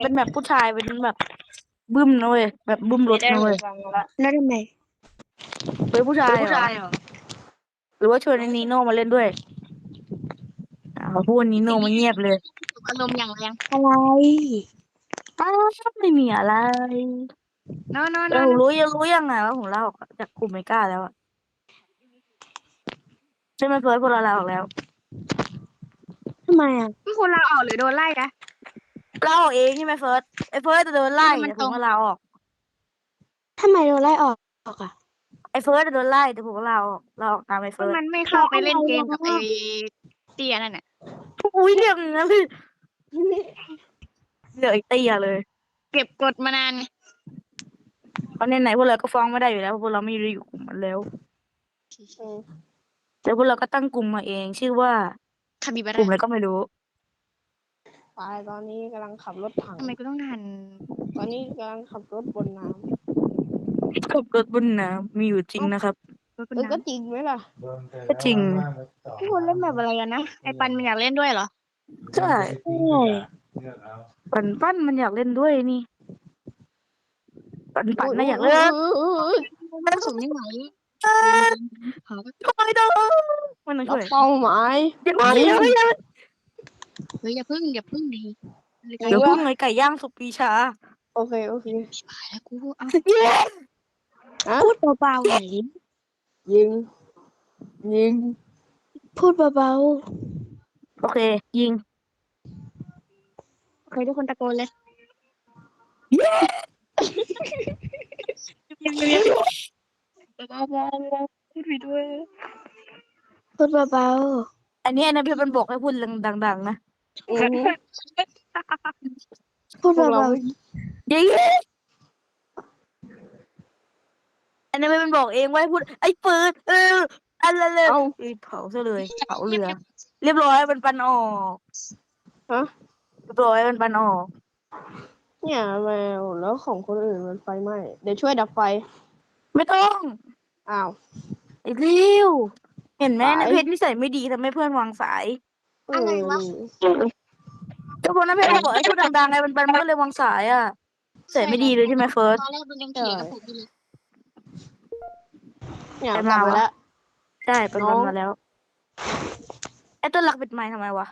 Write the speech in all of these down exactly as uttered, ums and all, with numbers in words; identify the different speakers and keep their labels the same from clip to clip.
Speaker 1: เป็นแบบผู้ชายเป็นแบบบึ้มนะเว้ยแบบบึ้มรถนะเว้ย
Speaker 2: แล้วทำไม
Speaker 1: เป็นผู้ชาย
Speaker 3: ผู้
Speaker 1: เหรอ
Speaker 3: ชายเหรอ
Speaker 1: หรือว่าชวนไอ้นีโน่มาเล่นด้วยอ่าพอพูดนีโน่มาเงียบเลย
Speaker 3: อารมณ์อย่างแรง
Speaker 2: อะไร
Speaker 1: อ้าวไม่มีอะไร
Speaker 3: โน้โน้โน้
Speaker 1: เรารู้ยังรู้ยังไงว่าผมลาออกจากกลุ่มเมกาแล้วอะใช่ไหมเฟิร์สพวกเราลาออกแล้ว
Speaker 2: ทำไมอ่ะ
Speaker 3: พี่คุณลาออกหรือโดนไล่นะ
Speaker 1: ลาออกเองใช่ไหมเฟิร์สไอ้เฟิร์สจะโดนไล่
Speaker 3: มัน
Speaker 1: แต่
Speaker 3: ต
Speaker 1: ผ
Speaker 3: ร
Speaker 1: ม
Speaker 3: ง
Speaker 1: ก็ลาออก
Speaker 2: ทำไมโดนไล่ออกอ่ะ
Speaker 1: ไอ้เฟิร์สจะโดนไล่แต่ผมก็ลาออกลาออกตามไอ้
Speaker 3: เพ
Speaker 1: เฟิ
Speaker 3: ราะ
Speaker 1: ร์ส
Speaker 3: มันไม่เข้าไปเล่นเกมกับไอ้เตี้ยนั่นน่ะ
Speaker 1: อุ้ยเรียกอย่างนั้นเลยเรียกไอ้เตี้ยเลย
Speaker 3: เก็บกดมานานไง
Speaker 1: เพราะในไหนๆพวกเราก็ฟ้องไม่ได้อยู่แล้วเพราะพวกเราไม่ได้อยู่กลุ่มมันแล้วแต่พวกเราก็ตั้งกลุ่มมาเอง ชื่อว่า
Speaker 3: คาบิบาก
Speaker 1: ลุ่ม
Speaker 3: ร่า
Speaker 1: อะไรก็ไม่รู้
Speaker 4: ไปตอนนี้กำลังขับรถถัง
Speaker 3: ทำไมกูต้องทัน
Speaker 4: ตอนนี้กำลังขับรถบนน้
Speaker 1: ขับรถบนน้ำมีอยู่จริงนะครับ
Speaker 3: รถ
Speaker 4: ำ
Speaker 3: บน
Speaker 4: เออก็
Speaker 3: น้ำ
Speaker 4: จริงไหมล่ะ
Speaker 1: ก็จริง
Speaker 3: พี่คุณเล่นแบบอะไรกันนะไอ้ปันมันอยากเล่นด้วยเหรอ
Speaker 1: ใช่
Speaker 2: ใช่
Speaker 1: ปั่นปั้นมันอยากเล่นด้วยนี่ ปั่นปั่น
Speaker 4: อุ๊ย
Speaker 1: น่ะอยาก
Speaker 4: อุ๊
Speaker 1: เล่
Speaker 4: ย
Speaker 1: น
Speaker 4: อุ๊ยอุ๊ย
Speaker 3: มันสูงไม่ไหวหา
Speaker 1: ทำไมต้องมันต้อง
Speaker 4: รั
Speaker 1: ช่
Speaker 4: บ
Speaker 1: วย
Speaker 4: เป้าหมาย
Speaker 1: อย่ามา
Speaker 4: ยิ
Speaker 1: อย่าง ย่าอย่า
Speaker 3: เฮ้ยอย่าพึ่งอย่าพึ่งดี
Speaker 4: ยิ
Speaker 1: เดี๋ยว
Speaker 4: ง
Speaker 1: พึ่
Speaker 4: วะ
Speaker 1: งไอ้ไก่ย่างสุกปีชา
Speaker 4: โอเคโอเค
Speaker 3: ชิบหายแล้วกูเอา
Speaker 1: เย้
Speaker 4: ฮะ
Speaker 2: พูดเบาๆหน่อยดิ
Speaker 4: ยิงยิง
Speaker 2: พูดเบา
Speaker 1: โอเค ยิง
Speaker 3: เคยทุกคนตะโกนเลย
Speaker 1: เย้
Speaker 3: บ้าบ้าพูดผิดด้วย
Speaker 2: ๆพูดเบา
Speaker 1: อันนี้อันนั้นเพื่อนมันบอกให้พูดดังๆนะ
Speaker 4: อือฮึ
Speaker 2: ๆพูด
Speaker 4: พวกเรา
Speaker 2: เบา
Speaker 4: ไม่
Speaker 1: ยิงอันนั้นเพื่อนมันบอกเองว่าให้พูดไอ้ปืนเอออันละเลย
Speaker 4: เอ้า
Speaker 1: เอ้ยเผาซะเลยเผาเรือ เรียบร้อยมันปันออก
Speaker 4: ฮะ
Speaker 1: เรียบร้อยมันปันออก
Speaker 4: เนี่ยแมวแล้วของคนอื่นมันไฟไหม้เดี๋ยวช่วยดับไฟ
Speaker 1: ไม่ต้อง
Speaker 4: อ้าว
Speaker 1: ไอ้เร็วเห็นไหม
Speaker 4: สาย
Speaker 1: ในเพจนิสัยไม่ดีทำให้เพื่อนวางสาย
Speaker 3: อะไรวะ
Speaker 1: ก็เพราะนั้นเพจมันบอกให้พูดดังๆไงมันมันก็เลยวางสายอ่ะนิสัยไม่ดีเลยใช่ไหมเฟิร์ส
Speaker 3: ตอนแรกมันยังเถียงกับผมอยู่เลย
Speaker 4: เนี่ย
Speaker 1: ใคร
Speaker 4: กลับ
Speaker 1: มาวะ
Speaker 4: มาแล้ว
Speaker 1: ใช่เป็น
Speaker 4: น้
Speaker 1: วั
Speaker 4: อน ง
Speaker 1: มาแล้วไอ้ต้นรักปิดไมค์ทำไมวะ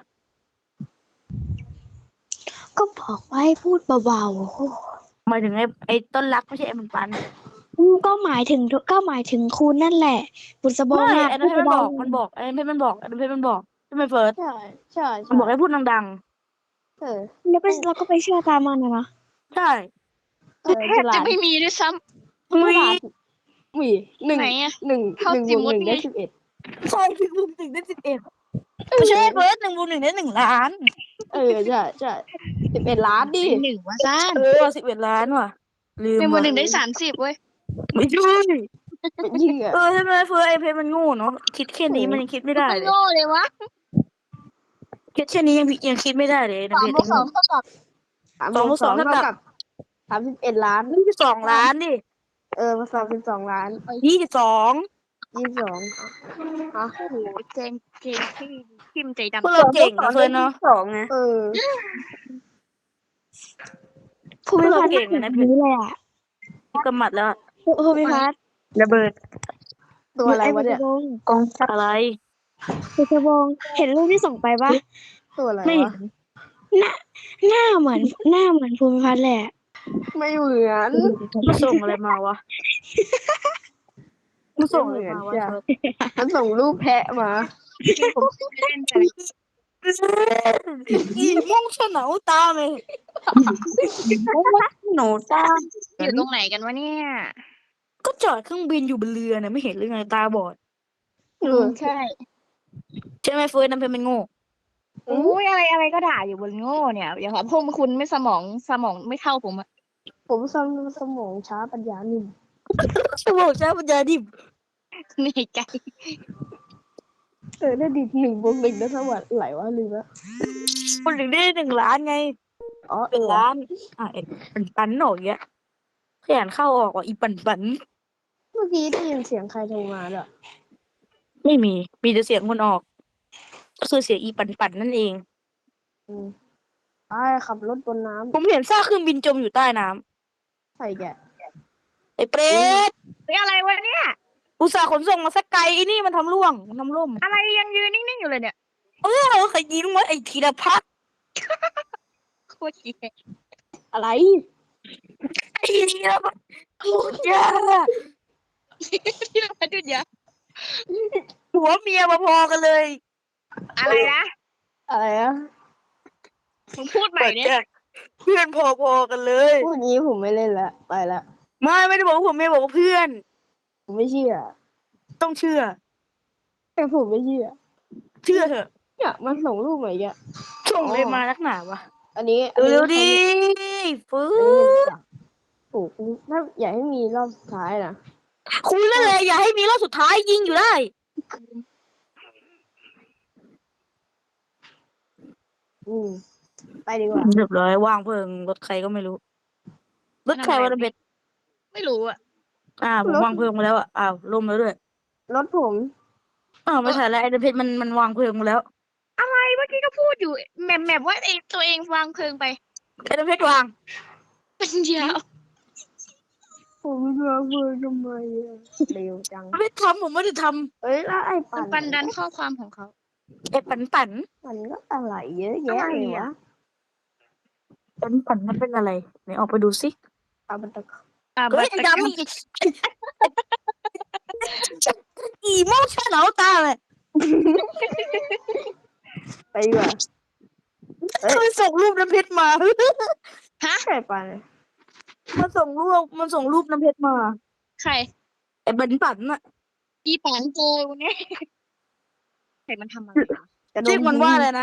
Speaker 2: ๆก็บอกว่าให้พูดเบา
Speaker 1: หมายถึงไอ้ไอ้ต้นรักไม่ใช่ไอ้มันปัน
Speaker 2: ๆอืมก็หมายถึงก็หมายถึงคุณนั่นแหละบุษบง
Speaker 1: ไม่
Speaker 2: อ่ะ
Speaker 1: ไอ้นั่
Speaker 2: พู
Speaker 1: น
Speaker 2: ด
Speaker 1: เพจมันบ
Speaker 2: เบา
Speaker 1: อกมันบอกไอ้นั่นเพจมันบอกไอ้นั่นเพจมันบอกใช่ไหมเฟิร์ส
Speaker 4: ใช่ใช่
Speaker 1: มัน
Speaker 4: ใช่
Speaker 1: บอกให้พูดดัง
Speaker 4: เออ
Speaker 2: ๆแล้วก็เราก็ไปเชื่อตามมันนะเนาะ
Speaker 1: ๆใช่
Speaker 4: เออ
Speaker 3: แท
Speaker 4: ฉ
Speaker 3: บ
Speaker 4: ลา
Speaker 3: จะ
Speaker 4: ด
Speaker 3: ไม่มีด้วยซ้
Speaker 4: ฉลาดมีหนึ่ง
Speaker 3: ไหนอะ
Speaker 4: หนึ่ง
Speaker 3: เข้า
Speaker 4: หนึ่ง
Speaker 3: จิ
Speaker 4: บ
Speaker 3: ม
Speaker 4: วก
Speaker 3: มด
Speaker 4: หนึ่ง
Speaker 3: ไง
Speaker 4: ได้สิบเอ็ด
Speaker 1: ใช่หนึ่งบวกหนึ่งได้สิบเอ็ดไม่ใช่เฟิร์สหนึ่งบวกหนึ่งได้หนึ่งล้าน
Speaker 4: เออใช่ใช่สิบเอ็ดล้าน
Speaker 3: ำ
Speaker 4: ดิ
Speaker 3: ได้หนึ่งว่าซ่าน
Speaker 1: เออสิบเอ็ดล้านว่ะลืม
Speaker 3: หนึ่งบน
Speaker 1: ว่ะ
Speaker 3: หนึ่งได้สามสิบเว้ย
Speaker 1: ไม่ใช่
Speaker 4: ยิงอ่ะ
Speaker 1: เออใช่ไหมเฟิร์สไอ้เพจมันโง่เนาะคิดแค่นี้มันยังคิดไม่ได้
Speaker 3: ไม่
Speaker 1: เลย
Speaker 3: โง่เลยวะ
Speaker 1: คิดแค่นี้ยังยังคิดไม่ได้เลย
Speaker 3: สอง
Speaker 1: นะเพจ
Speaker 3: บวกสองเท่ากับ
Speaker 4: สาม
Speaker 1: สอง
Speaker 4: บบว
Speaker 1: ว
Speaker 4: ก
Speaker 1: ก
Speaker 4: ส
Speaker 1: ส
Speaker 4: อ
Speaker 1: อง ง
Speaker 4: เท่า
Speaker 1: เท่ากั
Speaker 4: กับบ สามสิบเอ็ดล้าน
Speaker 1: ยี่สิบสองล้านดิ
Speaker 4: เออมาสามสิบสองล้าน
Speaker 1: ยี่สิบสอง
Speaker 4: ยี่สิบสองอ่ะ
Speaker 3: โอ้โหเกมเกมที่ทิมใจ
Speaker 1: พวก
Speaker 3: ดำ
Speaker 1: เราเก่งนะเฟิร์สเนาะ
Speaker 2: สองไง
Speaker 4: เออ
Speaker 2: ภูมิพัฒน์
Speaker 1: เก่ง
Speaker 2: แบ
Speaker 1: อะนะ
Speaker 2: บนี้เลยอ่ะ
Speaker 1: กำหมัดแล้วอะ
Speaker 2: ภูมิพัฒน์
Speaker 1: ระเบิด
Speaker 4: ตัวอะไรวะเนี่ย
Speaker 2: บุษบง
Speaker 1: กองทัพอะไร
Speaker 2: บุษบงเห็นรูปที่ส่งไปปะ
Speaker 4: ตัวอะไร
Speaker 1: ไม่
Speaker 4: วะ
Speaker 2: หน้าหน้าเหมือนหน้าเหมือนภูมิพัฒน์แหละ
Speaker 4: ไม่เหมือน
Speaker 1: มาส่งอะไรมาวะมาส่งอะไร
Speaker 4: ไม่เหมือน
Speaker 1: มาวะ
Speaker 4: จ้ะ
Speaker 1: เฟิร์ส
Speaker 4: มันส่งรูปแพะมา
Speaker 3: ผมไม่เล่นแต่
Speaker 1: อีม่วงฉนาวตาเลย
Speaker 2: หนูตา
Speaker 3: อยู่ตรงไหนกันวะเนี่ย
Speaker 1: ก็จอดเครื่องบินอยู่บนเรือเนี่ยไม่เห็นหรือไงตาบอด
Speaker 4: เออ
Speaker 3: ใช่
Speaker 1: ใช่ไหมเฟิร์สน้ำเพชรเป็นโง่
Speaker 4: อืม
Speaker 3: อุ้ยอะไรอะไรก็ด่าอยู่บนโง่เนี่ยอย่าครับพวกคุณไม่สมองสมองไม่เท่าผมอะ
Speaker 4: ผมสมสมองช้าปัญญาหนึ่ง
Speaker 1: สมองใช้ปัญญาดิบ
Speaker 3: เหนื่อยใจ
Speaker 4: เออได้ดิหนึ่งบวกหนึ่งได้เท่าไหร่ไหลวะลืมแล้ว
Speaker 1: คนถึงได้หนึ่งล้านไง
Speaker 4: อ๋อ
Speaker 1: เป็นล้านอ่ะไอ้ปันปันหนอกเงี้ยขยันเข้าออกว่ะอีปันปัน
Speaker 4: เมื่อกี้ได้ยินเสียงใครโทรมาด้วย
Speaker 1: ไม่มี มีแต่เสียงคนออก ก็คือเสียงอีปันปันนั่นเอง
Speaker 4: อืมไอ้ขับรถบนน้
Speaker 1: ผมเห็นซากเครื่องบินจมอยู่ใต้น้ำ
Speaker 4: ำใส่แกะ
Speaker 1: ไอ้เปรต
Speaker 3: เฮ้ยอะไรวะเนี่ย
Speaker 1: อุตส่าห์ขนส่งมาสักไกลไอ้นี่มันทำร่วงมันทำร่ม
Speaker 3: อะไรยังยืนนิ่งๆอยู่เลยเนี่ย
Speaker 1: เออใครยิงวะไอ้ธีรพัฒน์
Speaker 3: โคตรเหี้ย
Speaker 4: อะไร
Speaker 1: ไอ้ธีรพัฒน์โคตรยา
Speaker 3: ที่เราดูเยอะ
Speaker 1: หัวเมียมาพอกันเลย
Speaker 3: อะไรนะ
Speaker 4: อะไรอะ
Speaker 3: มึงพูดใหม่เนี่ย
Speaker 1: เพื่อนพอๆกันเลย
Speaker 4: พูดงี้ผมไม่เล่นละไปละ
Speaker 1: ไม่ไม่ได้บอกว่าผมไม่บอกว่าเพื่อน
Speaker 4: ผมไม่เชื่อ
Speaker 1: ต้องเชื่อ
Speaker 4: แต่ผมไม่เชื่อ
Speaker 1: เชื่อเถอะ
Speaker 4: เนี่ยมันส่งรูปมาอีกอะ
Speaker 1: ส่งเลยมานักหนาวะ
Speaker 4: อันนี้อันนี้
Speaker 1: เร็วๆดิฟื้
Speaker 4: อันนี้
Speaker 1: น
Speaker 4: เป็นโอ้โหถ้าอยากให้มีรอบสุดท้ายนะ
Speaker 1: คุยแล้วเลยอย่าให้มีรอบสุดท้ายยิงอยู่ได้
Speaker 4: อืมไปดีกว่า
Speaker 1: เรียบร้อยว่างเพลิงรถใครก็ไม่รู้รถใครวะระเบ็ด
Speaker 3: ไม่รู้อะ
Speaker 1: อ่าผมวางเพลิงมาแล้วอ่ะอ้าวล่มแล้วด้วย
Speaker 4: รถผม
Speaker 1: อ้าวไม่ใช่แล้วไอ้ระเบ็ดมันมันวางเพลิงมาแล้ว
Speaker 3: อะไรเมื่อกี้ก็พูดอยู่แหมแหมว่าเองตัวเองวางเพลิงไป
Speaker 1: ไอ้ระเบ็ดวาง
Speaker 3: เป็นยาว
Speaker 4: ผมไม่รู้ว่าเบอร์ทำไมอะเร็วจัง
Speaker 1: ระเบ็ดทำผมไม่ได้ท
Speaker 4: เอ้ยแล้วไอ้
Speaker 3: มั
Speaker 4: ปั่
Speaker 3: น
Speaker 4: น
Speaker 3: ปันดันข้อความของเขา
Speaker 1: ำไอ้ปันปัน
Speaker 4: มันก็อะไรเยอะแยะ
Speaker 3: อะไร
Speaker 4: เลย
Speaker 3: อะ
Speaker 4: วะ
Speaker 1: ปันปันมันเป็นอะไรไหนออกไปดูสิ
Speaker 4: เอามันตะ
Speaker 3: อ่า
Speaker 1: เฮ้
Speaker 3: บั
Speaker 1: ย
Speaker 3: ตร
Speaker 1: ดำอีกอีโมชั่นเอาตาเลย
Speaker 4: ไปดีกว่า เฮ้ย
Speaker 1: มันส่งรูปน้ำเพชรมา
Speaker 4: ใช่ปั่น
Speaker 1: มันส่งรูปมันส่งรูปน้ำเพชรมา
Speaker 3: ใคร
Speaker 1: ไอ้ปันปันน่ะ
Speaker 3: อีปันเจอวันนี้ใครมันทำอะไรวะ
Speaker 4: จะโด
Speaker 1: เรียกมันว่าอะไรนะ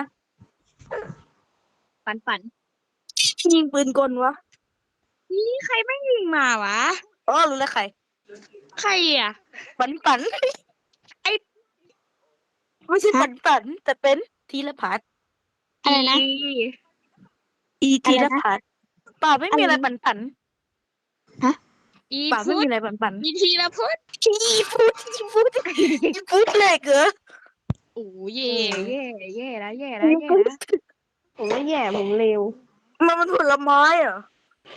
Speaker 3: ปันปัน
Speaker 1: ยิงปืนกลวะ
Speaker 3: นี่ใครไม่ยิงมาวะ
Speaker 1: อ๋อรู้แล้วใคร
Speaker 3: ใครอ่ะ
Speaker 1: ปันปัน
Speaker 3: ไอ้
Speaker 1: ไม่ใช่ปันปันแต่เป็นธีรพัฒน์
Speaker 2: อะไรนะ
Speaker 1: อีธีรพัฒน์ป่าไม่มีอะไรปันปัน
Speaker 3: อี
Speaker 1: ป่าไม่
Speaker 3: พุท
Speaker 1: มี
Speaker 3: ธ
Speaker 1: อะไรปันปัน
Speaker 3: อีทีละพุทธ
Speaker 1: อีฟูดอีฟูดอีฟูดเลยเหรอ
Speaker 3: โอ้เย่เย่เย่แล้วเย่แล้วเย่แล้ว
Speaker 4: ผมไม่แย่ผมเร็ว
Speaker 1: มันมันผลไม้เหรอ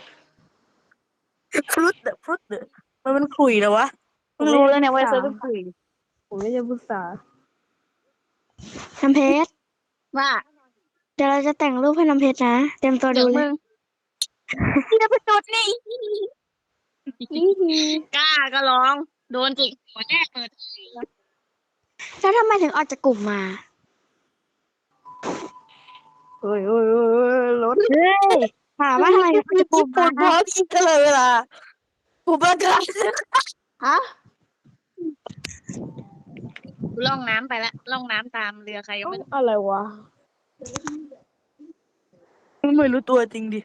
Speaker 1: ฟรุตเดอะฟรุตเดอะมันมันขลุยเหรอวะเพิ่งรู้แล้วเนี่ยว่าเซิร์ฟเป็นขลุย
Speaker 4: ผมไม่ใช่พุทธา
Speaker 2: น้ำเพชร
Speaker 3: ว่า
Speaker 2: เดี๋ยวเราจะแต่งรูปให้น้ำเพชรนะ เตรียมตัว
Speaker 3: เดี๋
Speaker 2: ดู
Speaker 3: ยว
Speaker 2: เล
Speaker 3: มึ
Speaker 2: ย
Speaker 3: ง
Speaker 1: ที่จะเป็นจุดนี่
Speaker 3: กล้าก็ลอง โดนจิกหัวแน่เปิด
Speaker 2: แล้วทำไมถึงออกจากกลุ่มมา
Speaker 4: เฮ้ยเฮ้ยเฮ้ยเฮ้ยรถ
Speaker 2: เฮ้ยถามว่าทำไมถึงออกจากกลุ่ม
Speaker 1: ปว
Speaker 2: มา
Speaker 1: ดท้องกินตลอดเวลาผมประกาศ
Speaker 4: ฮะ
Speaker 3: ล่องน้ำไปละล่องน้ำตามเรือใครก็ไม่รู้
Speaker 4: อะไรวะ
Speaker 1: ไม่รู้ตัวจริงดิ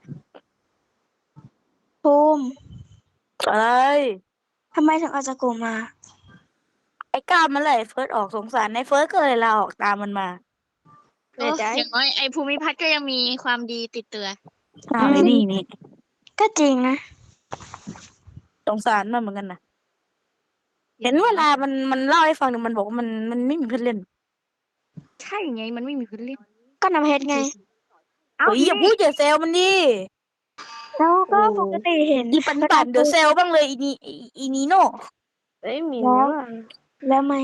Speaker 2: ภูมิ
Speaker 1: อะไร
Speaker 2: ทำไมถึงออกจากกลุ่มมา
Speaker 1: ไอ้ก้ามมันเลยเฟิร์สออกสงสารในเฟิร์สก็เลยลาออกตามมันมา
Speaker 3: เอออย่างน้อยไอ้ภูมิพัฒน์ก็ยังมีความดีติดตัว
Speaker 1: อ้าวไอ้นี่นี่
Speaker 2: ก็จริงนะ
Speaker 1: สงสารมันเหมือนกันนะเห็นเวลามันมันเล่าให้ฟังเนี่ยมันบอกว่ามันมันไม่มีเพื่อนเล่น
Speaker 3: ใช่ไงมันไม่มีพื้นเล่น
Speaker 2: ก็น้ำเพชรไง
Speaker 3: เอ้า
Speaker 1: เฮ้ยอย่าพูดอย่าเซลมันดิ
Speaker 2: แล้วก็ปกติเห็น
Speaker 1: อีปันปันเดี๋ยวเซลบ้างเลยอีนี่อีอีนีโน่
Speaker 4: เอ้ยมี
Speaker 2: แล้
Speaker 4: แล้ว วอะ
Speaker 2: แล้วไหม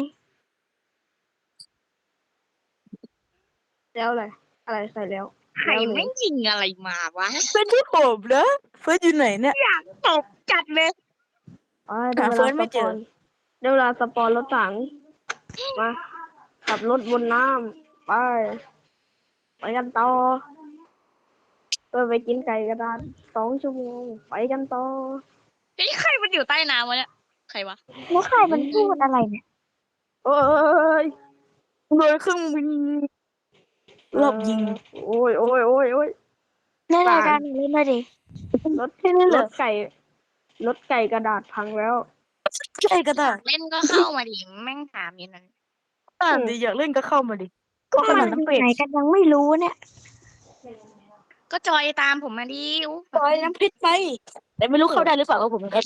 Speaker 4: แล้วอะไรอะไรใส่แล้ว
Speaker 3: ใครไม่ยิงอะไรมาวะ
Speaker 1: เป็นที่ผมนะเฟิร์สอยู่ไหนเนี่ย
Speaker 3: อยากตบจัดเลย
Speaker 4: อ๋อได้
Speaker 1: หา
Speaker 4: เว
Speaker 1: เฟิ
Speaker 4: ลา
Speaker 1: ร์สไม่
Speaker 4: ส
Speaker 1: เจ
Speaker 4: ป
Speaker 1: อ
Speaker 4: อนได้เวลาสปอนรถถังมาขับรถบนน้ำไปไปกันต่อเพื่อไปกินไก่กระดานสองชั่วโมงไปกันต่อ
Speaker 3: เฮ้ยใครมันอยู่ใต้น้ำวะเนี่ยใครวะ
Speaker 2: แล้วใครมันพูดอะไรเนี่ย
Speaker 4: เอ้ย
Speaker 1: โดนเครื่องบินรอบยิง
Speaker 4: โอ้ยโอ้ยโอ้ยโอ้ย
Speaker 2: เล่นรายการหนูเล่นมาดิ
Speaker 4: รถ
Speaker 1: แค่นี้เห
Speaker 4: ร
Speaker 1: รอ
Speaker 4: ถไก่รถไก่กระดาษพังแล้ว
Speaker 1: ใช่ก็ได้
Speaker 3: เล่นก็เข้ามาดิแม่งถามอย่างนั้น
Speaker 1: อ่านดิอยากเล่นก็เข้ามาดิ
Speaker 2: ก็
Speaker 1: ข
Speaker 2: มัน
Speaker 1: นาด
Speaker 2: อ
Speaker 1: นั้น
Speaker 2: ยู่
Speaker 1: เป็ด
Speaker 2: ไหนกันยังไม่รู้เนี่ย
Speaker 3: ก็จอยตามผมมาดิอู้
Speaker 1: ปล่อยน้ำพริกไปแต่ไม่รู้เข้าได้หรือเปล่าว่าผมเป็นเอส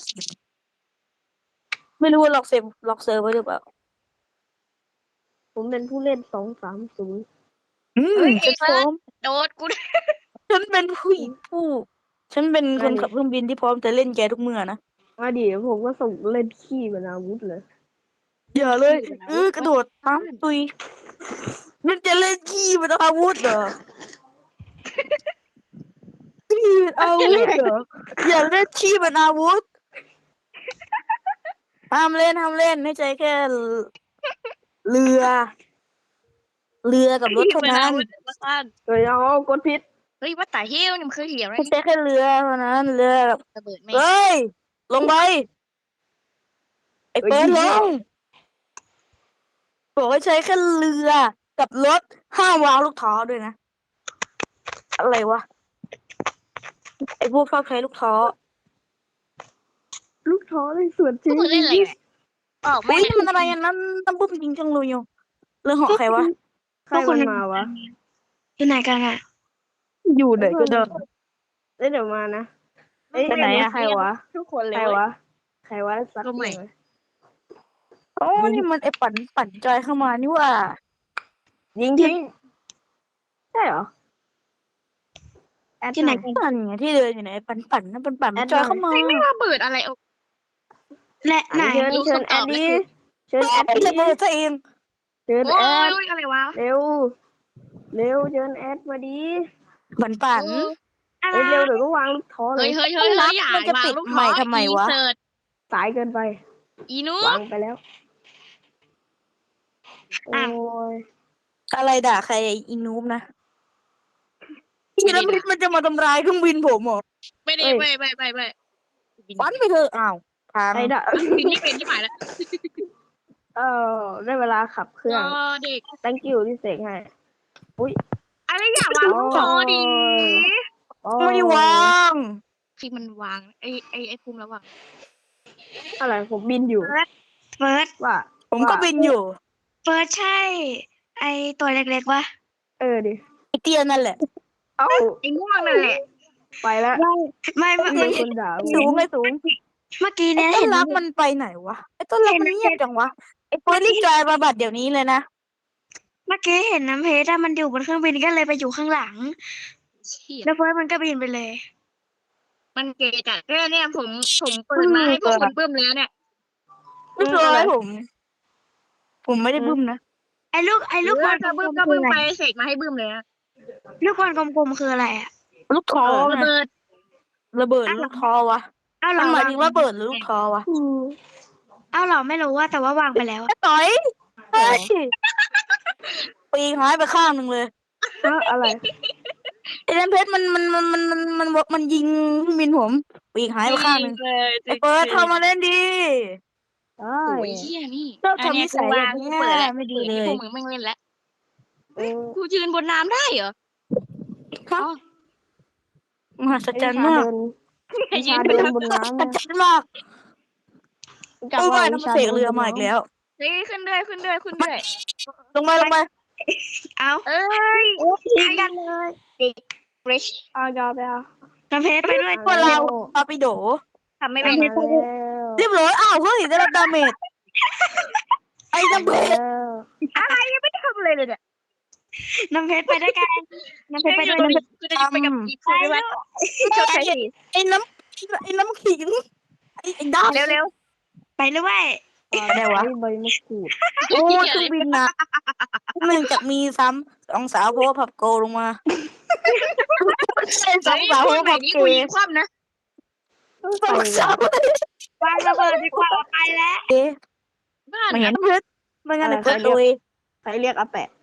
Speaker 1: ไม่รู้ว่าล็อกเซฟล็อกเซิร์ฟไว้หรือเปล่า
Speaker 4: ผมเป็นผู้เล่นสองสามศูนย์
Speaker 1: อืม
Speaker 3: เฮ้ย
Speaker 1: จะ
Speaker 3: เฟิ
Speaker 1: พร้
Speaker 3: ร์
Speaker 1: อ
Speaker 3: ส
Speaker 1: ม
Speaker 3: โดดกู
Speaker 1: ใช่ฉันเป็นผู้หญิงผู้ ฉันเป็นคนขับเครื่องบินที่พร้อมจะเล่นแกทุกเมื่อนะ
Speaker 4: มาดิผมก็ส่งเล่นขี้เป็นอาวุธเลย
Speaker 1: อย่าเลยเออกระโดดปั๊มตุยมันจะเล่นขี้เป็นอาวุธเหรอขี้เป็นอาวุธเหรออย่าเล่นขี้เป็นอาวุธห้ามเล่นห้ามเล่นให้ใจแค่เรือ เรือกับรถเท่านั้น
Speaker 4: เฮ้ยเอากดพิษ
Speaker 3: เฮ้ยว่าแต่เฮี้ยวนี่มันคือเหี่ยวนะ
Speaker 1: ให้ใจแค่เรือเท่านั้นเรือแบบ
Speaker 3: ระเบิดแม่
Speaker 1: เฮ้ยลงไปไอ้เปิดลงบอกให้ใช้แค่เรือกับรถห้ามวางลูกท้อด้วยนะอะไรวะไอ้พวกชอบใช้ลูกท้อ
Speaker 4: ลูกท้อในส่วนจริง
Speaker 3: มึงเล่นอะไรเนี่ยออก
Speaker 1: เฮ้
Speaker 3: ไม่
Speaker 1: ยมันอะไรอันนั้นตั้มปุ๊บจริงจังเลยอยู่เรื่องของใครวะ
Speaker 4: ใครมันมาวะ
Speaker 2: อยู่ไหนกันอ่ะ
Speaker 1: อยู่ไหนก็ได้
Speaker 4: เอ้ยเดี๋ยวมานะเอ้ย
Speaker 1: ไปไหนอะ
Speaker 4: ใครวะ
Speaker 3: ทุกคนเลย
Speaker 4: ใครวะใครวะสัก
Speaker 3: ก็ไม่
Speaker 4: หน่อย
Speaker 1: โอ้นี่มันไอ้ปั่นปั่นจอยเข้ามานี่ว่า
Speaker 4: ยิงทิ้งใช่เหรอแอด
Speaker 2: ที่ไหน
Speaker 4: อย
Speaker 2: กัน
Speaker 1: ปั่นไงที่เดินอยู่ไหนปั่นปั่นนั่นปั่นปั่นมันจอยเข้ามา
Speaker 3: ไม่ไม่ระเบิดอะไรออก
Speaker 2: และไหน
Speaker 4: เชิญ
Speaker 3: รู้
Speaker 4: เชิญ
Speaker 3: คำ
Speaker 4: แอ
Speaker 3: ตอ
Speaker 4: ด
Speaker 3: บ
Speaker 4: ดี้
Speaker 3: เลย
Speaker 4: เชิญแอด
Speaker 1: ไอ้
Speaker 4: ดี้
Speaker 1: ระเบิดซะเอง
Speaker 4: เชิญ
Speaker 3: โอ้
Speaker 4: แอด
Speaker 3: ยอะไรวะ
Speaker 4: เร็วเร็วเชิญแอดมาดี
Speaker 1: ปั่นปั่น
Speaker 2: อะไร
Speaker 4: เอ้ยเร็วเดี๋ยวก็วางลูกท้อเล
Speaker 3: เฮ้ย
Speaker 4: ย
Speaker 3: เฮ้ยเฮ้ยเฮ้ยอย่า
Speaker 1: มันจะ
Speaker 3: วาง
Speaker 1: ปิด
Speaker 3: ลูก
Speaker 1: ใหม่
Speaker 3: ท้อ
Speaker 1: ทำไมวะ
Speaker 3: อีเสิร์ต
Speaker 4: สายเกินไป
Speaker 3: อีนุ
Speaker 4: วางไปแล้วโอ้ย
Speaker 1: อะไรด่าใครอีนูบนะพี่แล้วมันจะมาทำร้ายเครื่องบินผมเหรอ
Speaker 3: ไม่ได้ไม่ไม่ไม่ไม่
Speaker 1: วันไปเถอะอ้าวพัง
Speaker 4: ไอ้ด่า
Speaker 3: บินนี่เป็นที่หมายแล้ว
Speaker 4: เออได้เวลาขับเครื่อง
Speaker 3: ก็เด็ก
Speaker 4: thank you ที่เสกให้
Speaker 3: อะไรอย่าวางลูกท้อดี
Speaker 4: โอ้
Speaker 1: ไม่ได้วาง
Speaker 3: ที่มันวางไอ้ไอ้ไอ้ภูมิระวัง
Speaker 4: อะไรผมบินอยู่
Speaker 2: เฟิร์ส
Speaker 4: ว่า
Speaker 1: ผมก็บินอยู่
Speaker 2: เฟิร์สใช่ ไอตัวเล็กๆวะ
Speaker 4: เออดิ
Speaker 1: ไอเตียนั่นแหละ
Speaker 4: เอ้า
Speaker 3: ไอ้ม่วงนั่นแหละ
Speaker 4: ไปแล้ว
Speaker 2: ไม่ไม่
Speaker 4: มี
Speaker 2: ไม่
Speaker 4: คนด่า
Speaker 1: สูงไอสูง
Speaker 2: เมื่อกี้
Speaker 1: ไอ้
Speaker 2: เนี่ย
Speaker 1: ต้
Speaker 2: เห็
Speaker 1: น
Speaker 2: น
Speaker 1: รักมันไปไหนวะไอ้ต้นรักมันเงียบจังวะไอ้เฟิร์สรีบจอยมาบัดเดี๋ยวนี้เลยนะ
Speaker 2: เมื่อกี้เห็นน้ำเพชรอะมันอยู่บนเครื่องบินก็เลยไปอยู่ข้างหลัง
Speaker 3: เชี่ย
Speaker 2: แล้วเฟิร์สมันก็บินไปเลย
Speaker 3: มันเกย์จัดแค่เนี่ยผมผมเปิดมาให้พวกคนเพิ่มแล้วเนี่ย
Speaker 1: ไม่เคยผม ผมไม่ได้บึ้มนะ
Speaker 2: ไอ้ลูกไอ้ลูกบอลก
Speaker 3: ก็
Speaker 2: ล
Speaker 3: บึ้ม
Speaker 2: ม
Speaker 3: ก็
Speaker 2: ๆคื
Speaker 3: บึ้
Speaker 2: อ
Speaker 3: ม
Speaker 2: อะไร
Speaker 3: ไปเสกมาให้บึ้มเลยนะ
Speaker 2: ลูกบอลกลมๆคืออะไรอะ
Speaker 1: ลูกท้อ
Speaker 3: ระ
Speaker 1: ไง
Speaker 3: เบิด
Speaker 1: ระเบิดหรือลูกท้อวะ
Speaker 2: อ้าวเหร
Speaker 1: มั
Speaker 2: อน
Speaker 1: หมายถึงระเบิดหรือลูกท้อวะ
Speaker 4: อืม
Speaker 2: อ้าวเหรอไม่รู้ว่าแต่ว่าวางไปแล้ว
Speaker 1: ไอ้ต่อยเฮ้ยปีกหายไปข้างหนึ่งเลย
Speaker 4: ฮะอะไร
Speaker 1: ไอ้แดนเพชรมันมันมันมันมันมันมันยิงเครื่องบินผม ปีกหายไปข้างหนึ่งไอ้เฟิร์สเข้ามาเล่นดี
Speaker 4: ได้
Speaker 3: โอ้ยเชี่ยนี่
Speaker 1: ชอบทำนิสัยแบบ
Speaker 3: กู
Speaker 1: เนี้ย
Speaker 3: เปิดแล้ว
Speaker 1: ไม่ดี
Speaker 3: เปิด
Speaker 1: เล
Speaker 3: ให้
Speaker 1: ย
Speaker 3: พวกมึงไม่งเล่นแล้ว
Speaker 4: เออ
Speaker 3: กูยืนบนน้ำได้เหรอ
Speaker 1: ครับ
Speaker 3: อ๋อ
Speaker 1: มหัศจรรย์มาก
Speaker 4: วิชาเดินบนน้ำ
Speaker 1: มหัศจรรย์มาก
Speaker 4: จับ
Speaker 1: โอ้
Speaker 4: ว่าย
Speaker 1: น้ำ
Speaker 4: วิ
Speaker 1: มา
Speaker 4: ชา
Speaker 1: เส
Speaker 4: ดิ
Speaker 1: ก
Speaker 4: นบน
Speaker 1: เรือมา
Speaker 4: น้ำ
Speaker 1: อีกแล้ว
Speaker 3: เฮ้ยขึ้นด้วยขึ้นด้วยขึ้นด้วย
Speaker 1: ลงไปลงไป
Speaker 2: เอา
Speaker 3: เอ้ย
Speaker 2: ทิ้งกันเลย
Speaker 3: บริช
Speaker 4: เอายอมไปเอา
Speaker 2: น้ำเพชรไปด้วย
Speaker 1: พวกเราปาปิโด
Speaker 3: ทำไม่เป็น
Speaker 4: มาแล้ว
Speaker 1: เรียบร้อยอ้าวเฮ้ยได้รับดาเมจไอ้น้ำเพชร
Speaker 4: แล้ว
Speaker 3: อะไรยังไม่ได้ทำอะไรเลยเนี่ย
Speaker 2: น้ำเพชรไปด้วยกันน้ำเพชรไปด้วย
Speaker 3: กูจะยิงไปกับอีกคนด้วย
Speaker 1: ไอ้ไอ้น้ำไอ้น้ำขิงไอ้ไอ้ดาว
Speaker 3: เร็วเร็ว
Speaker 2: ไปด้วย
Speaker 1: อะไรวะ
Speaker 4: ใบมะกรูด
Speaker 1: โอ้ยเครื่องบินนะหนึ่งจากมีซ้ำสองสาวโพพับโกลงมาใช่สองสาวโพ
Speaker 3: ไหน
Speaker 1: พับ
Speaker 3: นี้
Speaker 1: เก
Speaker 3: กูยิงคว่ำนะ
Speaker 1: สองสาว
Speaker 2: วางระเบิดดีกว่าไปแล้ว
Speaker 1: เอ๊ะ
Speaker 3: บ้าน
Speaker 1: ไม่เห็นเพชรไม่งั้นเลยเพชรดุย
Speaker 4: ใครเรียกอาแปะ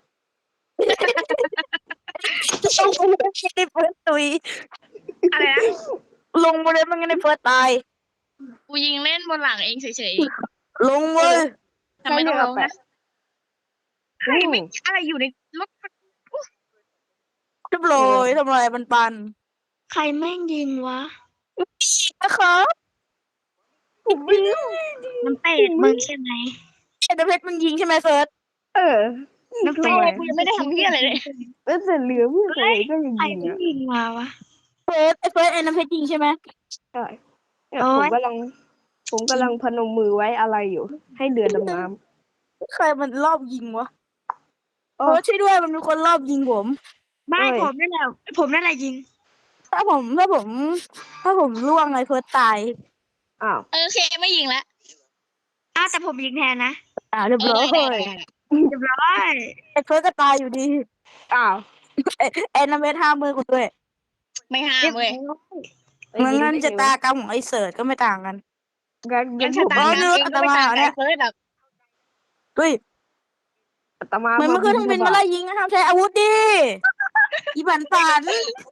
Speaker 1: ลงไปเลยไม่ได้เพชรดุย
Speaker 3: อะไรนะ
Speaker 1: ลงไปเลยไม่งั้นได้เพชรตาย
Speaker 3: กูยิงเล่นบนหลังเองเฉย
Speaker 1: ลงเลย
Speaker 3: ๆทำไมต้องร้องนะใครไม่อะไรอยู่ในรถ
Speaker 1: เรียบร้อยทำอะไรปันปัน
Speaker 2: ใครแม่งยิงวะ
Speaker 1: นะครับผมไม่รู้
Speaker 2: น้ำเป็ดมึงใช่ไหม
Speaker 1: ไอ้เพชรมันยิงใช่ไหมเฟิร์ส
Speaker 4: เออ
Speaker 2: น้ำเป็ด
Speaker 3: กูยังไม่ได้ทำเพี้ยอะไรเลย
Speaker 4: แล้วแต่เหลือเพื่อนอะไรก็ยัง
Speaker 2: ใคร
Speaker 4: ยิง
Speaker 2: ที่
Speaker 4: อ่ะ
Speaker 2: ยิงมาวะ
Speaker 1: เฟิร์สไอ้เฟิร์สไอ้น้ำเพชรยิงใช่ไหม
Speaker 4: ใช่เนี่ย
Speaker 2: โอ๊
Speaker 4: ผม
Speaker 2: ย
Speaker 4: กำลัง ผมกำลังพนมมือไว้อะไรอยู่ ให้เรือดำน้
Speaker 1: ใครมันรอบยิงวะ
Speaker 4: โอ้
Speaker 1: เฟิร์สช่วยด้วยมันมีคนรอบยิงผม
Speaker 2: ไม่
Speaker 4: โอ้ย
Speaker 2: ผมนั่นแหละผมนั่นแหละยิง
Speaker 1: ถ้าผมถ้าผม ถ้าผมล่วงไอ้เฟิร์สตาย
Speaker 4: อ้าว
Speaker 3: เออโอเคไม่ยิงละ
Speaker 2: อ้าวแต่ผมยิงแทนนะ
Speaker 1: อ่าเรียบ
Speaker 3: เออ
Speaker 1: ร้อย
Speaker 3: ได้ได้ได้ได้
Speaker 2: เรียบร้อย
Speaker 1: ไอ้เฟิร์สก็ตายอยู่ดี
Speaker 4: อ้าว
Speaker 1: ไอ้ไอ้น้ำเพชรห้ามมือกูด้วย
Speaker 3: ไม่ห้ามเว้ย
Speaker 1: เหมือนกันชะตากรรมของไอ้เสิร์ชก็ไม่ต่างกัน
Speaker 4: งั้น
Speaker 3: งั้
Speaker 4: งั้
Speaker 3: น
Speaker 4: น
Speaker 3: ชะ
Speaker 4: ผม
Speaker 3: ตากรรม
Speaker 1: เออ
Speaker 3: เองก็ไม่ต่าง
Speaker 1: อาตมาเนี่
Speaker 3: กับ
Speaker 1: ย
Speaker 3: เฟิร์สหรอก
Speaker 1: เฮ้ย
Speaker 4: อาตมา
Speaker 1: มันไม่ขึ้นเครื่องบินมาไล่ยิงห้ามใช้อาวุธดิอีบันปัน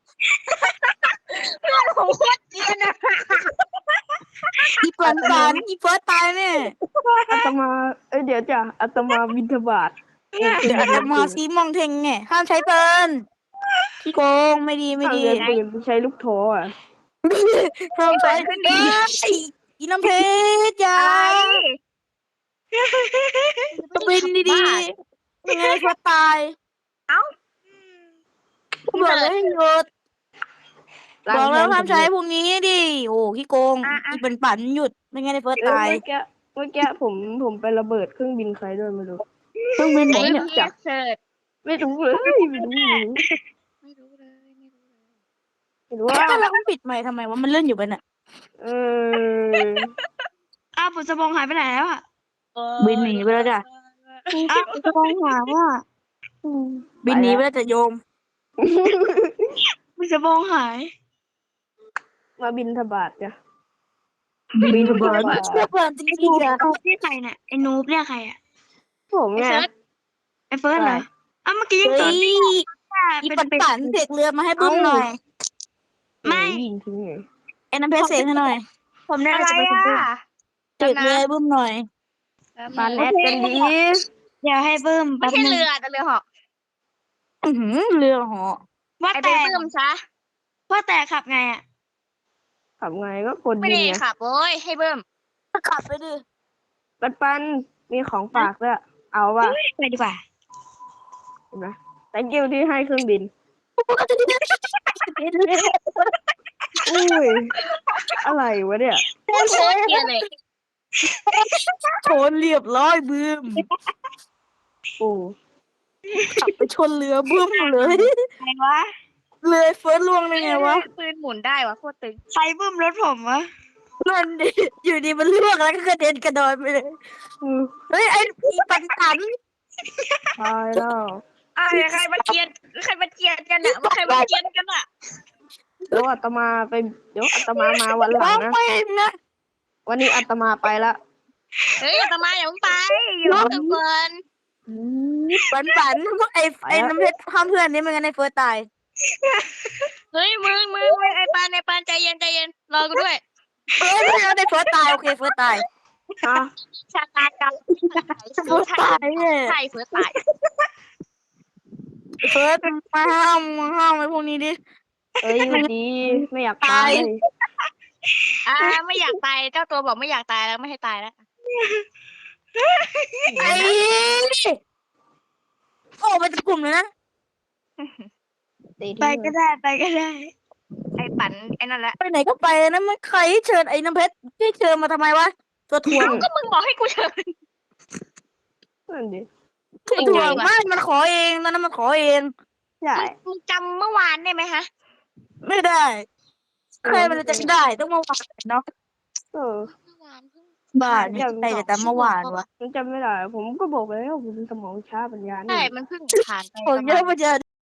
Speaker 3: ผมโคตรเกลียดอะ
Speaker 1: อีบันปันอีเฟิร์สตายเนี่ย
Speaker 4: อาตมา เอ้ยเดี๋ยวจ้ะอาตมาบิณฑบาต
Speaker 1: เดี๋ยวอาตมาซีมองเทงไงห้ามใช้ปืนขี้โกงไม่ดีไม่
Speaker 4: ทาง
Speaker 1: ดี
Speaker 4: เรียนปืนใช้ลูกโถอ่ะ
Speaker 1: ห้ามใช้เอ้ยอีน้ำเพชรอยา
Speaker 2: อะไร
Speaker 1: จะบินดีๆยังไงเฟิร์สตาย
Speaker 2: เอ้า
Speaker 1: บอกเลยให้หยุดบอกแล้วห้ามใช้พวกนี้ดิโอ้ขี้โกงอีเป็นปั่นหยุดไม่งั้นไอ้เฟิร์ส
Speaker 4: เออ
Speaker 1: ตาย
Speaker 4: เมื่อกี้เมื่อกี้ผมผมไประเบิดเครื่องบินใครด้วยไม่รู้
Speaker 1: เครื่องบินไหน
Speaker 3: ไอ้
Speaker 1: เนี่ย
Speaker 3: เหี้ยเสิร์ช
Speaker 4: ไม่รู้เลยไม่รู้ไม่รู้
Speaker 3: ไม่รู้เลยไม่รู้เลย
Speaker 4: เห็นว่า
Speaker 1: ถ้าเราปิดไมค์ทำไมวะมันเลื่อนอยู่ไปน่ะ
Speaker 4: เออ
Speaker 2: อ้าวผมสมองหายไปไหนแล้วอ่ะ
Speaker 1: บินหนีไปแล้วจ้ะ
Speaker 2: อ้าวผมสมองหายว่า
Speaker 1: บินหนีไปแล้วจะโยม
Speaker 2: ผมสมองหาย
Speaker 4: มาบินทบาทจ้ะ
Speaker 1: บินเบิร์นเชื่อเบิร์นจ
Speaker 2: ไอ้
Speaker 1: ริ
Speaker 2: นู
Speaker 1: ง
Speaker 2: บ
Speaker 1: ๆอะ
Speaker 2: นี่ใครเนี่ยไอ้นูบเนี่ยใครอ่ะ
Speaker 4: ผม
Speaker 3: ไอ้
Speaker 4: ไง
Speaker 3: เซิร์ช
Speaker 2: ไอ้เฟิร์สเหรออ้าวเมื่อกี้ยัง
Speaker 1: เฮ้
Speaker 2: ตอน
Speaker 1: ยอี
Speaker 2: เป็น
Speaker 1: ปั่น
Speaker 2: เป็น
Speaker 1: ปั่นเสกเรือมาให้บึ้มหน่อย
Speaker 2: ไม่
Speaker 4: ยิงทิ้งไง
Speaker 1: ไอ้น้ำเพชรเสกให้หน่อย
Speaker 2: ผมเนี่ย
Speaker 3: อะไร
Speaker 2: จะเป็นคน
Speaker 3: อ่ะ
Speaker 2: บึ้ม
Speaker 1: เสกเรือให้บึ้มหน่อย
Speaker 4: ปานแอดกันดี
Speaker 2: เดี๋ยวให้บึ้ม
Speaker 3: ไม่
Speaker 2: แป๊บ
Speaker 3: ใช่
Speaker 2: นึง
Speaker 3: เรือแต่เรือเหาะ
Speaker 1: อือหือเรือเหาะ
Speaker 2: ว่า
Speaker 3: ไอ้
Speaker 2: แต่
Speaker 3: ไปปื้มซะ
Speaker 2: ว่าแต่ขับไงอ่ะ
Speaker 4: ขับไงก็คน
Speaker 3: ไม่
Speaker 4: ยิ
Speaker 3: ได้
Speaker 4: งไง
Speaker 3: ขับโว้ยให้เบิ้ม
Speaker 1: ขับไปดิ
Speaker 4: ปันปันมีของฝากด้วยเอาป่ะ
Speaker 2: ไปดีกว่า
Speaker 4: เห็นไหม thank you ที่ให้เครื่องบิน อุ้ย อะไรวะเนี่ย
Speaker 3: โคตรเกลียดเลย
Speaker 1: ชนเรียบร้อยบึ้ม
Speaker 4: โอ้
Speaker 1: ขับไปชนเรือบึ้มเลย
Speaker 2: ใครวะ
Speaker 1: เรือเฟิร์สล่วงได้ไงวะ
Speaker 3: ปืนหมุนได้วะโคตรตึง
Speaker 2: ใครบึ้มรถผมวะ
Speaker 1: นั่นดิอยู่ดีมันล่วงแล้วก็กระเด็นกระดอนไปเลย
Speaker 4: อืม
Speaker 1: เฮ้ยไอ้อีปันปัน
Speaker 4: ตายแล้ว
Speaker 3: อ่ะใครมาเกลียดใครมาเกลียดกันอ่ะว่าใครมาเกลียดกันอ่ะ
Speaker 4: เดี๋ยวอาตมาไป เดี๋ยวอาตมามาวันหลั
Speaker 1: ร้อง ง
Speaker 4: นะ
Speaker 1: ไปนะ
Speaker 4: วันนี้อาตมาไปละ
Speaker 3: เฮ้ยอาตมาอย่าเพิ่งไปอยู่กับเฟิร์น
Speaker 1: ปันปันพวกไอ้ไอ้น้ำเพชรห้ามเพื่อนนี่ไม่งั้นไอ้เฟิร์สตาย
Speaker 3: เฮ้ยมึงมึงมึงไอ้ปานไอ้ปานใจเย็นใจเย็นรอกูด้วย
Speaker 1: เอ้ยไม่เอาไอ้เฟิร์สตายโอเคเฟิร์สตาย
Speaker 4: อ่ะ
Speaker 3: ชาตากรรม
Speaker 1: เฟิร์สตายเนี่ย
Speaker 3: ใช่เฟิร์สตาย
Speaker 1: เฟิร์สมาห้ามมาห้ามไอ้พวกนี้ดิ
Speaker 4: เอ้ยอยู่ดี ไม่อยากตาย
Speaker 3: อ่าไม่อยากตายเจ้าตัวบอกไม่อยากตายแล้วไม่ให้ตายแล้ว
Speaker 1: ไอ้โอ้ไปจากกลุ่มเลยนะ
Speaker 4: ตี
Speaker 2: ไป
Speaker 4: ทิ้ง
Speaker 2: ก็ได้ไปก็ได้
Speaker 3: ไอ้ปั่นไอ้นั่นแหละ
Speaker 1: ไปไหนก็ไปนะมันใครเชิญไอ้น้ำเพชรที่เชิญมาทำไมวะตัวถ่วง
Speaker 3: ก็มึงบอกให้กูเชิญ
Speaker 4: นั่นดิ
Speaker 1: ตัวถ่วงไม่มันขอเองตอนนั้นมันขอเอง
Speaker 4: ใช่
Speaker 3: มึงจำเมื่อวานได้ไหมฮะ
Speaker 1: ไม่ได้ใครมันจะได้ต้องมาวานเนาะ
Speaker 4: เออ
Speaker 3: เมื่อวานเพิ่ง
Speaker 1: บ้านี่ใครจะจำเมื่อวานวะ
Speaker 4: ผมจำไม่ได้ ผมก็บอกไปแล้วผมสมองช้าปัญญา
Speaker 3: ใช่
Speaker 4: นี่
Speaker 3: มันเพิ่งผ่านไป
Speaker 1: ผม
Speaker 3: ประ
Speaker 1: เย
Speaker 3: มา
Speaker 1: อะ
Speaker 3: ณ
Speaker 1: มาเจอ